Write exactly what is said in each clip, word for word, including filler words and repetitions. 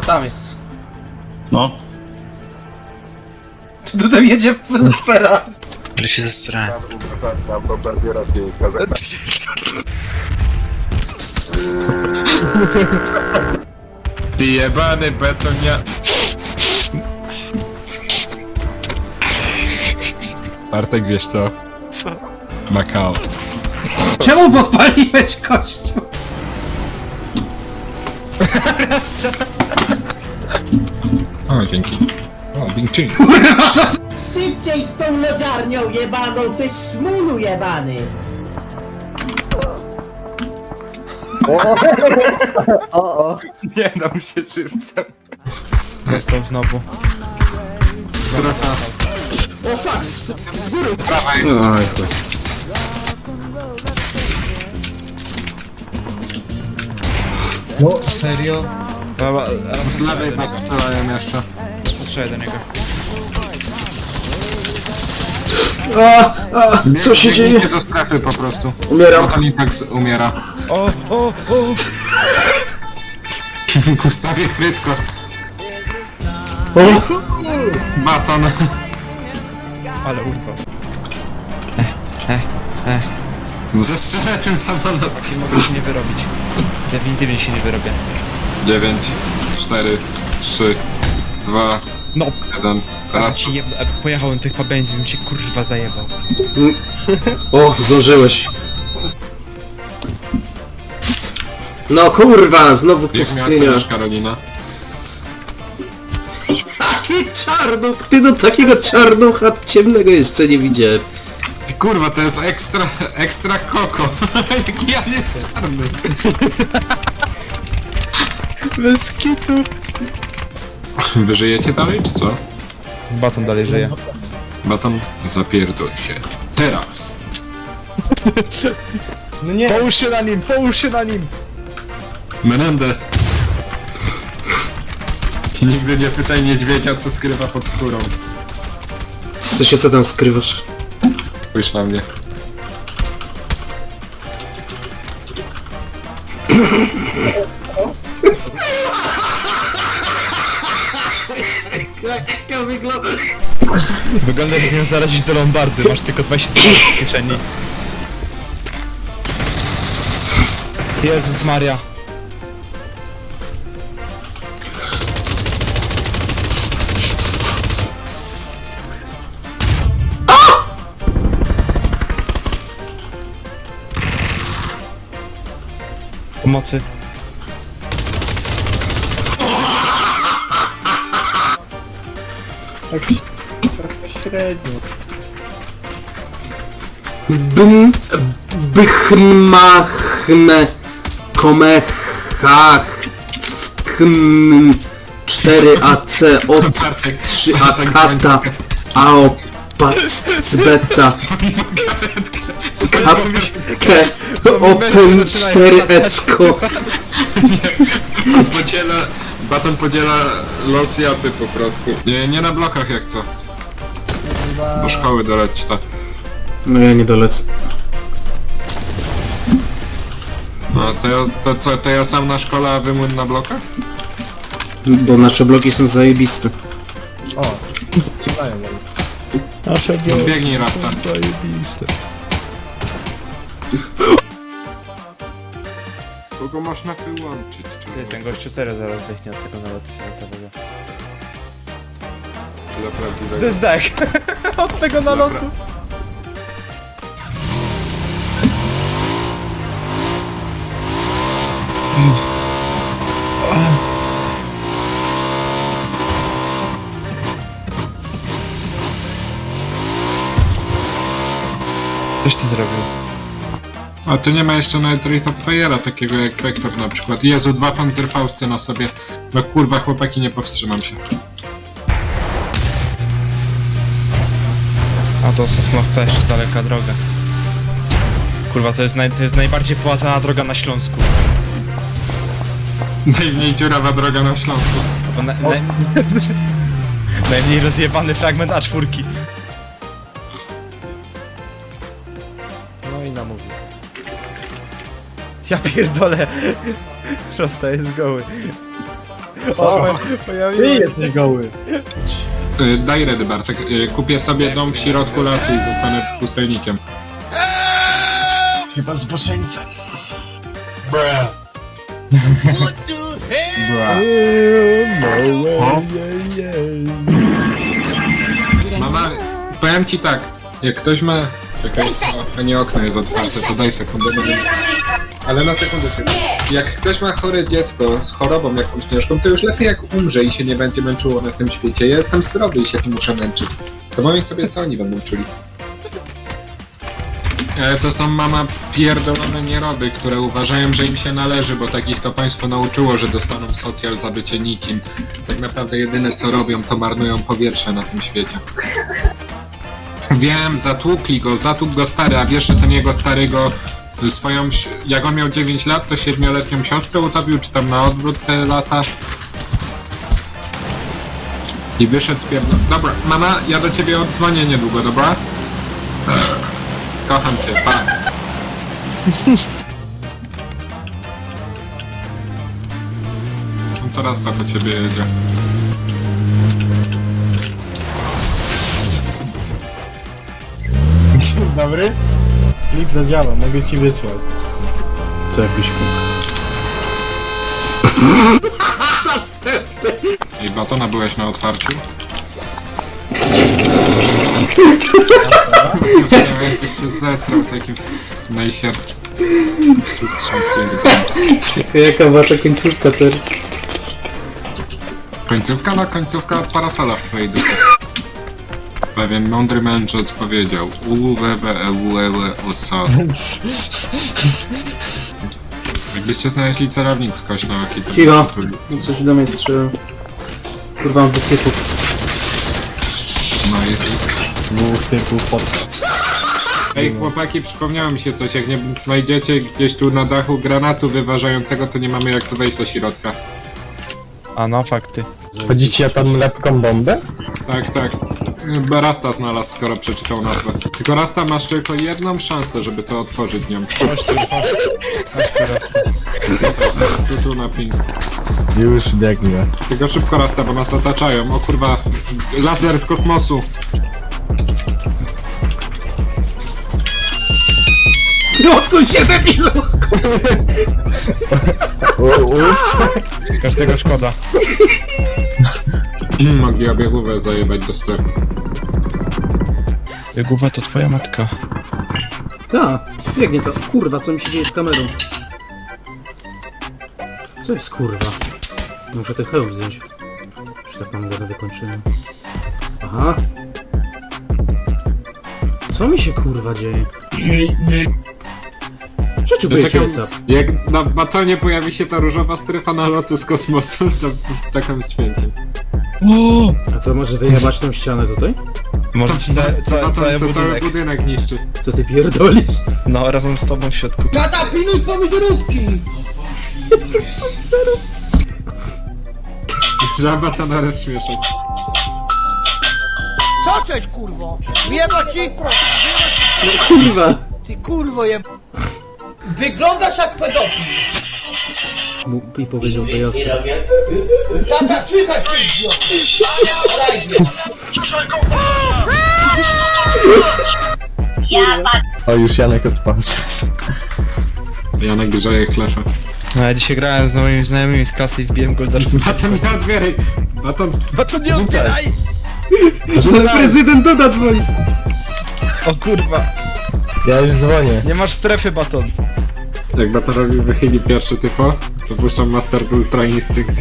tam jest. No. Tu tutaj jedzie Ferrari. Ale się zestrałem. Ty jebany betonia... Bartek, wiesz co? Co? Macao. Czemu podpaliłeś kościół? O, dzięki. O, Bing Ching. Szybciej z tą lodziarnią jebaną, ty szmulu jebany! Nie dam się żywcem. Dostał znowu. Strefa. O fuck, z, z góry. Oj, chuj. No, serio? Dobra, Z lewej nas strzelają jeszcze. strzelaj do niego. A, a, co się dzieje? Biegnijcie do strefy po prostu. Umieram. Bo to tak umiera. O, o, o! Gustawie Frytko. O, Baton. Ale urwał. Zestrzelę ten samolot. Nie mogę się nie wyrobić. Definitywnie się nie wyrobię. dziewięć, cztery, trzy, dwa, No! jeden. Raz Raz. ci jebno, e, pojechałem tych pabędzi, bym cię kurwa zajebał. o, zdążyłeś. No kurwa, znowu Jak miała pustynia. oceniasz, Karolina? Taki czarnuch, ty no takiego czarnucha ciemnego jeszcze nie widziałem. Ty kurwa, to jest ekstra, ekstra koko. Jaki ja nie jest czarny. Bez kitu! Wy żyjecie dalej, czy co? Baton dalej żyje. Baton, zapierdol się. Teraz. No nie! Połóż się na nim, połóż się na nim! Menendez. Nigdy nie pytaj niedźwiedzia, co skrywa pod skórą. Co się co tam skrywasz? Spójrz na mnie. Jak to wygląda? Wygląda jakbym miał zarazić do Lombardy, masz tylko dwadzieścia tysięcy w kieszeni. Jezus Maria. Pomocy. Bym, bychmachne, komechach, skn, cztery A C, od Bartek, trzy A Bartek kata, dzwoń. a o pacbeta, kapkę, open cztery ecko. Podziela, Baton podziela los jacy po prostu. Nie, nie na blokach jak co. Do szkoły doleć ta. No ja nie dolecę. No to, ja- to co, to ja sam na szkole, a wy na blokach? Bo nasze bloki są zajebiste. Nasze Biegnij Rasta. zajebiste. Kogo można wyłączyć? Ty, ten gościu serio zaraz zdechnie od tego nalotu fioletowego. Dla prawdziwego. To jest dech! Od tego nalotu! Dobra. Coś ty zrobił. A tu nie ma jeszcze nawet Rate of Fire'a takiego jak Vector na przykład. Jezu, dwa Panzerfausty na sobie. No kurwa, chłopaki, nie powstrzymam się. A to Sosnowca jeszcze daleka droga. Kurwa, to jest, naj, to jest najbardziej połatana droga na Śląsku. Najmniej dziurawa droga na Śląsku. Bo na, na, najmniej rozjebany fragment A cztery. No i namówił. Ja pierdolę. Prosta jest goły. O, Ty pojawiłem. jesteś goły. Y, Daj redy, Bartek. Y, Kupię sobie dom w środku lasu i zostanę pustelnikiem. Chyba zboczeńca. Mama, powiem ci tak, jak ktoś ma... Czekaj, o, nie okno jest otwarte, to daj sekundę. Bo nie... Ale na sekundę tylko. Jak ktoś ma chore dziecko z chorobą jakąś ciężką, to już lepiej jak umrze i się nie będzie męczyło na tym świecie. Ja jestem zdrowy i się tu muszę męczyć. To pomyśl sobie, co oni będą czuli. E, to są, mama, pierdolone nieroby, które uważają, że im się należy, bo takich to państwo nauczyło, że dostaną socjal za bycie nikim. Tak naprawdę jedyne co robią, to marnują powietrze na tym świecie. Wiem, zatłukli go, zatłukł go stary, a wiesz, że ten jego stary go swoją, si- jak on miał dziewięć lat, to siedmioletnią siostrę utopił, czy tam na odwrót te lata. I wyszedł z pierdol... Dobra, mama, ja do ciebie odzwonię niedługo, dobra? Kocham cię, pa. No teraz to po ciebie jedzie. Dzień dobry. Link zadziała, mogę ci wysłać. To jakiś I batona byłeś na otwarciu? Ty się zesrał takim najsierpkim. Czekaj, jaka była ta końcówka teraz? Końcówka? No końcówka od parasola w twojej dupie. Pewien mądry mędrzec powiedział u we we e u e we u sos. Jakbyście znaleźli celownik z kośnołki, to Cicho. byście tu- No coś do mnie strzela. Kurwa, mam dwóch typów. No jest. Dwóch typów pod... Ej chłopaki, przypomniało mi się coś, jak nie znajdziecie gdzieś tu na dachu granatu wyważającego, to nie mamy jak tu wejść do środka. A no, fakty. Chodzicie tam lepką bombę? Tak, tak. Chyba Rasta znalazł, skoro przeczytał nazwę. Tylko Rasta, masz tylko jedną szansę, żeby to otworzyć nią. Chodź tu, chodź. Chodź teraz tu. Tu, tu na ping. Już biegnę. Tylko szybko Rasta, bo nas otaczają. O kurwa, laser z kosmosu. Odsuń się, debilu! Ups. Każdego szkoda. Mogli obiegówę zajebać do strefy. Głowa to twoja matka. Tak, biegnie to. Kurwa, co mi się dzieje z kamerą? Co jest kurwa? Muszę ten hełm zdjąć. Czy tak mam go wykończyłem? Aha. Co mi się kurwa dzieje? Rzeczy Ja bycie czekam, jest up. jak na batonie pojawi się ta różowa strefa na lotu z kosmosu, to czekam z święciem. A co, może wyjebać tą ścianę tutaj? Może ci całe, całe, Baton, cały co cały budynek. budynek niszczy. Co ty pierdolisz? No, razem z tobą w środku. Tata, pilnuj pomidorówki! Żaba co naraz śmieszać. Co cześć kurwo? Wyjebać ci? Kurwa! Ty kurwo jeb... Wyglądasz jak pedofil! Mu- I powiedział to jasno. Tata, słychać cię idioty! Live. O, już Janek odpał. Janek grzeje chlefę. No, ja dzisiaj grałem z moimi znajomymi z klasy i wbiłem Goldar. Baton nie otwieraj! Baton... Baton nie otwieraj! Ale prezydent Duda dzwoni! O kurwa, Ja już dzwonię. nie masz strefy, Baton. Jak Batorowi wychyli pierwszy typo, to puszczam Master Ultra Instinct.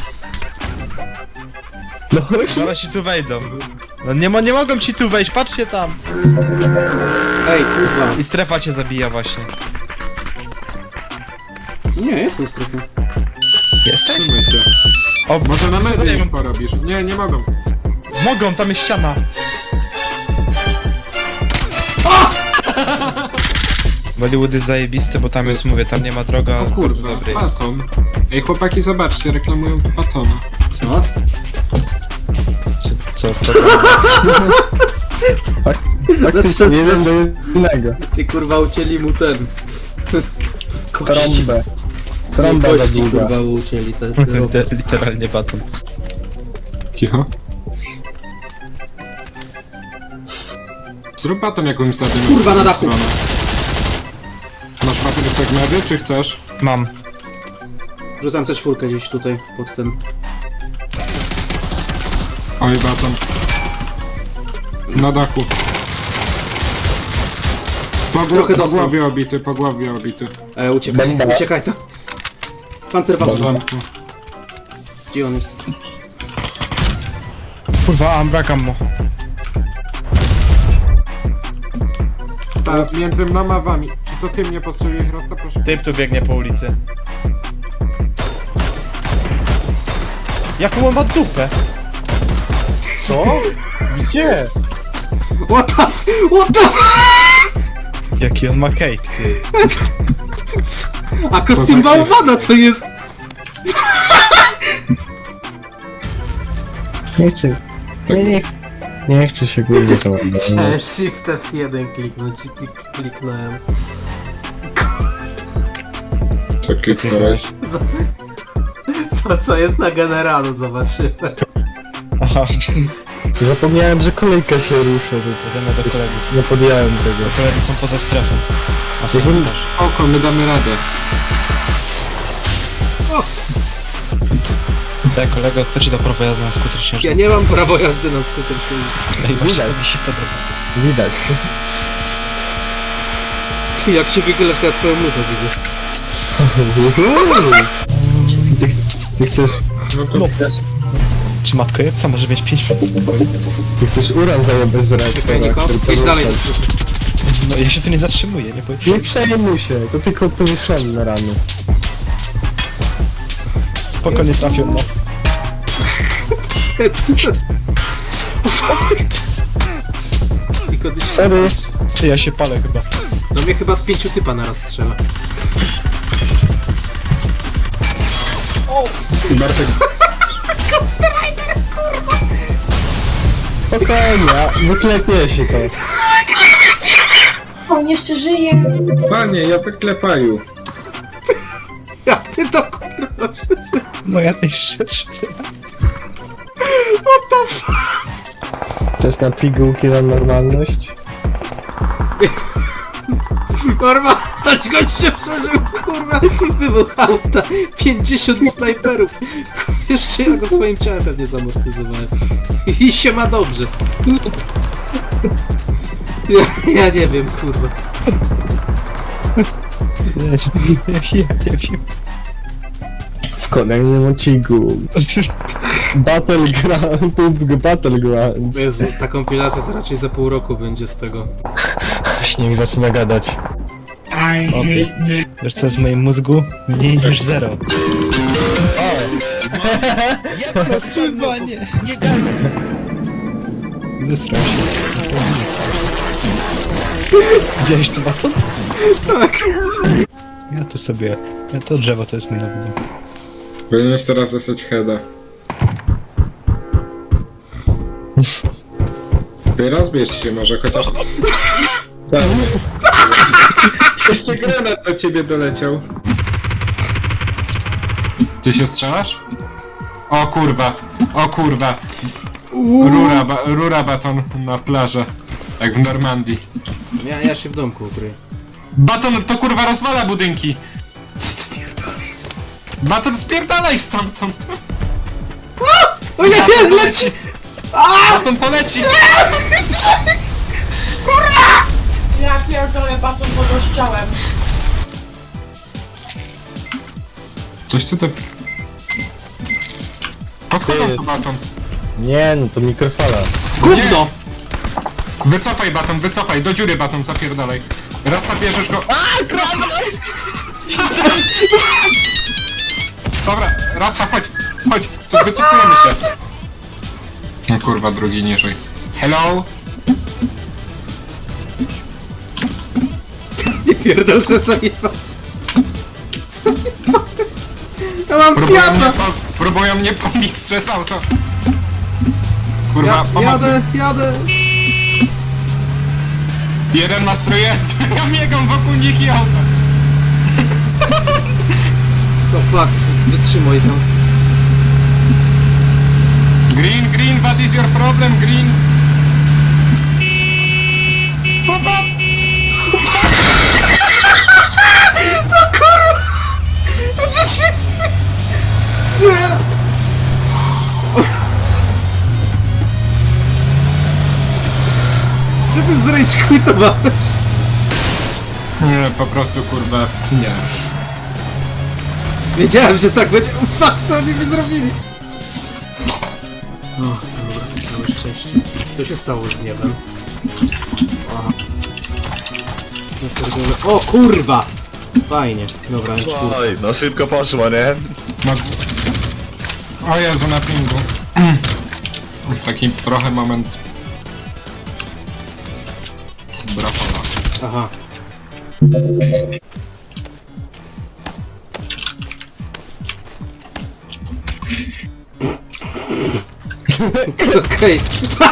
No, Zaraz ci tu wejdą. No nie, mo nie mogą ci tu wejść, patrzcie tam. Ej, kurwa. I strefa cię zabija właśnie. Nie, jestem w strefie. Jesteś? Trzymaj się. O, Może na nie medzie wiem. im porobisz. Nie, nie mogą. Mogą, tam jest ściana. Bollywood jest zajebisty, bo tam jest, mówię, tam nie ma droga, O ale bardzo kurwa, dobry jest. Baton. Ej chłopaki, zobaczcie, reklamują tu Batona. Co? Co, co, co tam? Fakt, faktycznie jeden do jednego. Ty kurwa ucięli mu ten. Kości. Trąbę. Trąba za Kości, długa. kurwa, ucięli te... Liter- Literalnie baton. Cicho. Zrób baton jakąś za tym. Kurwa, na dachu. Masz baton efekt medy, czy chcesz? Mam. Rzucam C cztery gdzieś tutaj, pod ten... Oj, baton. Na dachu. Po, gł- Trochę po dostał. głowie obity, po głowie obity. E, uciekaj, Bomba. uciekaj tam. Pancer W wam. porządku. Gdzie on jest? Kurwa, a brakam mu. Tak, między mną a wami. Czy to ty mnie postrzeliłeś raz, to proszę? Typ tu biegnie po ulicy. Jaką on ma dupę? Co? Gdzie? What the... What the... Jaki on ma cake, ty. A kostium bałwana to jest... Nie chcę. Nie, nie chcę. Nie chcę się kurde załadować. Chciałem Shift F jeden kliknąć i klik- kliknąłem. Co kliknąłeś? To co jest na generalu, zobaczymy. Aha, Zapomniałem, że kolejka się rusza tutaj. idziemy do kolegów. Nie podjąłem tego. Koledzy są poza strefą. A są Jakbym- też. Oko, my damy radę. Tak, kolego, kto ci da prawo jazdy na skuter Ja śnieżny? nie mam prawa jazdy na skuter śnieżny. Ej, właśnie mi się podoba. Widać. Ty, jak się wychylasz na twoją lutę, widzę. Ty, ty chcesz... No to No, czy matko jebca może mieć pięć minut spokoju? Ty chcesz uran zajebać z Czekaj, reaktora, Niko, który jedź dalej. pozostał. No ja się tu nie zatrzymuję, nie powiem. Nie przejmuj się, to tylko powieszone rany. Spoko, nie trafią nas. Tylko ty się... Sorry. Ty, ja się palę chyba. No mnie chyba z pięciu typa naraz strzela. Bartek, Spokojnie, wyklepie się to. On jeszcze żyje. panie, ja wyklepaju. Ja ty to kurwa... No ja tej szczerze. Czas na pigułki na normalność. Normalność gościa przeżył, kurwa, wybuch auta, pięćdziesiąt snajperów. Kurwa, jeszcze ja go swoim ciałem pewnie zamortyzowałem. I się ma dobrze. Ja, ja nie wiem, kurwa. Ja, ja, ja nie wiem. W kolejnym odcinku. Battleground, PUBG Battlegrounds. Jezu, ta kompilacja to raczej za pół roku będzie z tego. Śnieg zaczyna gadać. Wiesz co jest w moim mózgu? Mniej niż zero. Chyba nie. Zesrał się. Widziałeś to baton? Tak. Ja tu sobie... Ja to drzewo to jest mój nowy dom. Powinieneś teraz zasać heada. Ty rozbierz się może, chociaż... Jeszcze granat do ciebie doleciał. Ty się strzelasz? O kurwa, o kurwa. Rura, ba rura baton na plażę. Jak w Normandii. Ja, ja się w domku ukryję. Baton to kurwa rozwala budynki. Co ty pierdolisz? Baton spierdalaj stamtąd. O nie, nie, zleci! Baton poleci. Ja pierdolę baton pod ościałem. Coś tutaj... Podchodzą tu baton. Nie, no to mikrofala. Gówno! Wycofaj baton, wycofaj, do dziury baton, zapierdalaj. Raz tak bierzesz go... Aaa, Dobra, Rasa, chodź, chodź, co, wycofujemy się. No kurwa, drugi niżej. Hello? Nie pierdol, że zajebał. Ja mam Próbują mnie, Fiata! po, próbują mnie pobić przez auto. Kurwa, Ja, pomocy. jadę, jadę! Jeden ma strojec, ja biegam wokół nich i auta. To fuck, wytrzymaj tam. Green, green, what is your problem, green? Gdzie ty zrejcz quitowałeś? Nie, po prostu kurwa, nie. Wiedziałem, że tak będzie. O, fuck, co oni mi zrobili? O, dobra, całe szczęście. Co się stało z niebem? Aha. Ja pierdolę. O kurwa! Fajnie, dobra, już kurwa. Oj, no szybko poszło, nie? No. O Jezu, na pingu. Taki trochę moment... Brafola. Aha. Okej.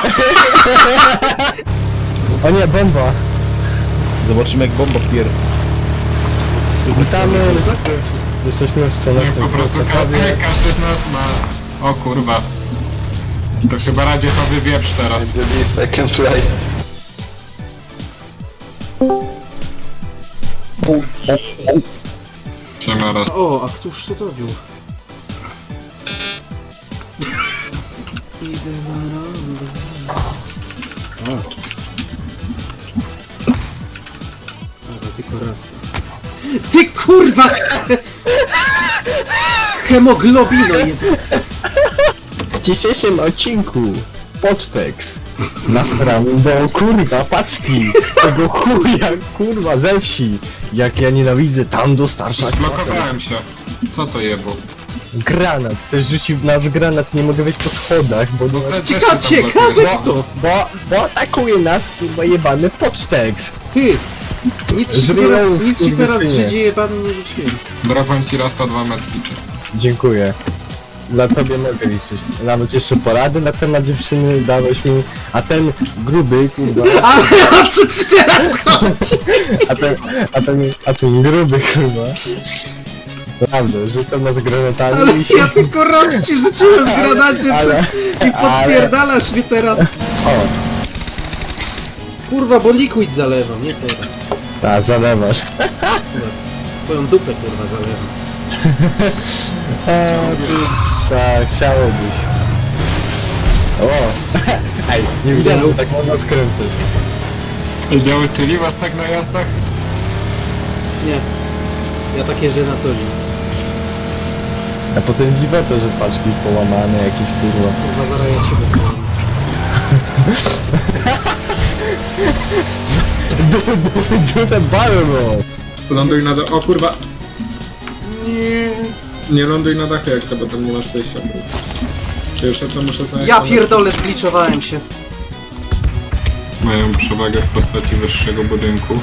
O nie, bomba! Zobaczymy jak bomba pier... Witamy! Jesteśmy w stronę Nie, po prostu ka ka każdy z nas ma... O kurwa. To chyba radzietowy wieprz teraz. Second flight. Siema raz. O, a któż to robił? O. Dobra, tylko raz. Ty kurwa! Hemoglobino jedna. W dzisiejszym odcinku Pocztex nasrałem do kurwa paczki tego chuja kurwa ze wsi, jak ja nienawidzę tam dostarczać Zblokowałem się. Co to jebło? granat, chcesz rzucić w nas granat, nie mogę wejść po schodach, bo, No te też się Ciekawe, tam ciekawe blokujesz. to! bo, bo atakuje nas kurwa jebany Pocztex. Ty! Nic ci Żeby teraz, ją nic ci teraz w skurwysynie. życie jebany nie rzuciłem. Dropłem ci raz to dwa metki, czy... Dziękuję. Dla tobie mogę liczyć. Nawet jeszcze porady na temat dziewczyny dałeś mi, a ten gruby kurwa, A, a co ci teraz chodzi? a ten, a ten, a ten gruby kurwa. Naprawdę, rzucam nas granatami Ale i się... ja tylko raz ci rzuciłem w granacie ale- przed... i podpierdalasz mi teraz. O, Kurwa, bo liquid zalewam, nie teraz. tak, zalewasz. Twoją dupę kurwa zalewam. A, ty, tak, chciałobyś. O, ej, nie widziałem, że tak można skręcać. Biały tyli was tak na jazdach? Nie. Ja tak jeżdżę na co dzień. A potem dziwne to, że paczki połamane jakieś kurwa. Kurwa, zaraz ja ciebie połam. Do the barrel! Ląduj na dachu. O kurwa. Nie. Nie ląduj na dachu jak chcę, bo tam nie masz zejścia. Pierwsze co muszę znaleźć... Ja pierdolę, zgliczowałem się. Mają przewagę w postaci wyższego budynku.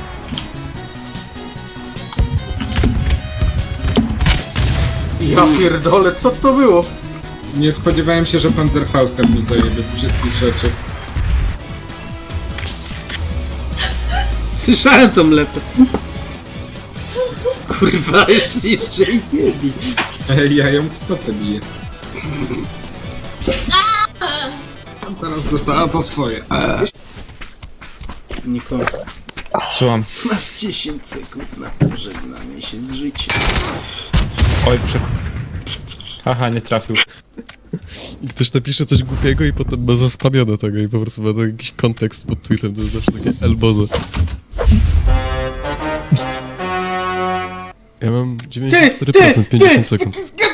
Ja pierdolę, co to było? Nie spodziewałem się, że Panzerfaustem mi zajebie z wszystkich rzeczy. Słyszałem tą lepę. Kurwa, już niżej nie bij. Ej, ja ją w stopę biję. Teraz dostała to swoje. Nikogo. Słucham. Masz dziesięć sekund na pożegnanie się z życiem. Oj, prze... Haha, nie trafił. Ktoś napisze coś głupiego i potem ma zaspamione tego i po prostu ma to jakiś kontekst pod tweetem, to jest zawsze takie elbozo. Ja mam dziewięćdziesiąt cztery procent, pięćdziesiąt sekund.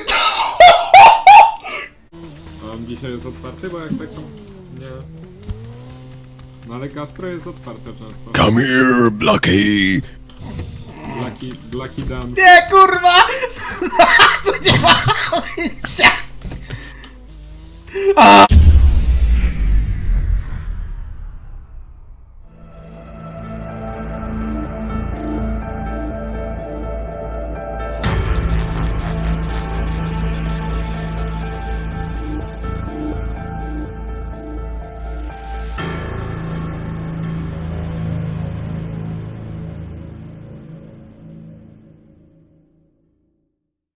A on dzisiaj jest otwarty, bo jak tak to... Nie... No ale gastro jest otwarte często. Come here, Blackie! Blaki... Blaki Dan. Nie, kurwa!